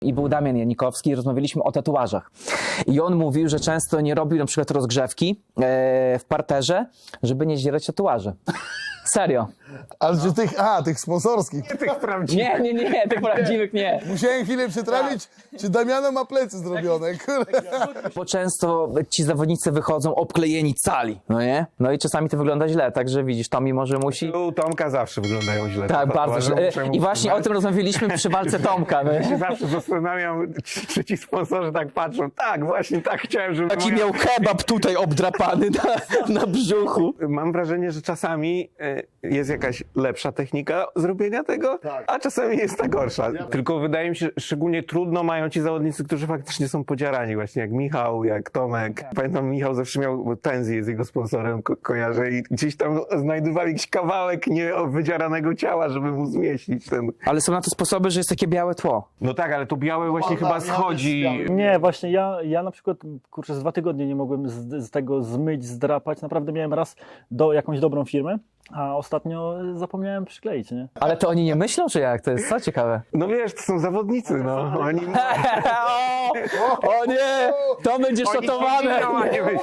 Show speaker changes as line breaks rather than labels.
I był Damian Janikowski i rozmawialiśmy o tatuażach. I on mówił, że często nie robił na przykład rozgrzewki w parterze, żeby nie zdzierać tatuaży. Serio.
Ale czy tych sponsorskich.
Tych prawdziwych.
Nie, tych prawdziwych nie.
Musiałem chwilę przetrawić, czy Damiano ma plecy zrobione, kurde.
Bo często ci zawodnicy wychodzą obklejeni cali, no nie? No i czasami to wygląda źle, także widzisz, Tomi może musi...
U Tomka zawsze wyglądają źle.
Tak, bardzo źle. I właśnie o tym rozmawialiśmy przy walce Tomka. No.
Ja się zawsze zastanawiam, czy ci sponsorzy tak patrzą. Tak, właśnie tak chciałem, żeby...
Taki miał kebab tutaj obdrapany na brzuchu.
Mam wrażenie, że czasami jest jakaś lepsza technika zrobienia tego, a czasami jest ta gorsza. Tylko wydaje mi się, że szczególnie trudno mają ci zawodnicy, którzy faktycznie są podziarani, właśnie jak Michał, jak Tomek. Pamiętam, Michał zawsze miał Tenzi, jest jego sponsorem, kojarzę, i gdzieś tam znajdowali jakiś kawałek wydzieranego ciała, żeby mu zmieścić ten...
Ale są na to sposoby, że jest takie białe tło.
No tak, ale to białe właśnie chyba schodzi.
Nie, właśnie ja na przykład, kurczę, z 2 tygodnie nie mogłem z tego zmyć, zdrapać. Naprawdę miałem raz jakąś dobrą firmę, a ostatnio zapomniałem przykleić, nie?
Ale to oni nie myślą, czy jak? To jest co ciekawe.
No wiesz, to są zawodnicy, no. Oni...
O nie! To będzie
Oni
szatowane!
nie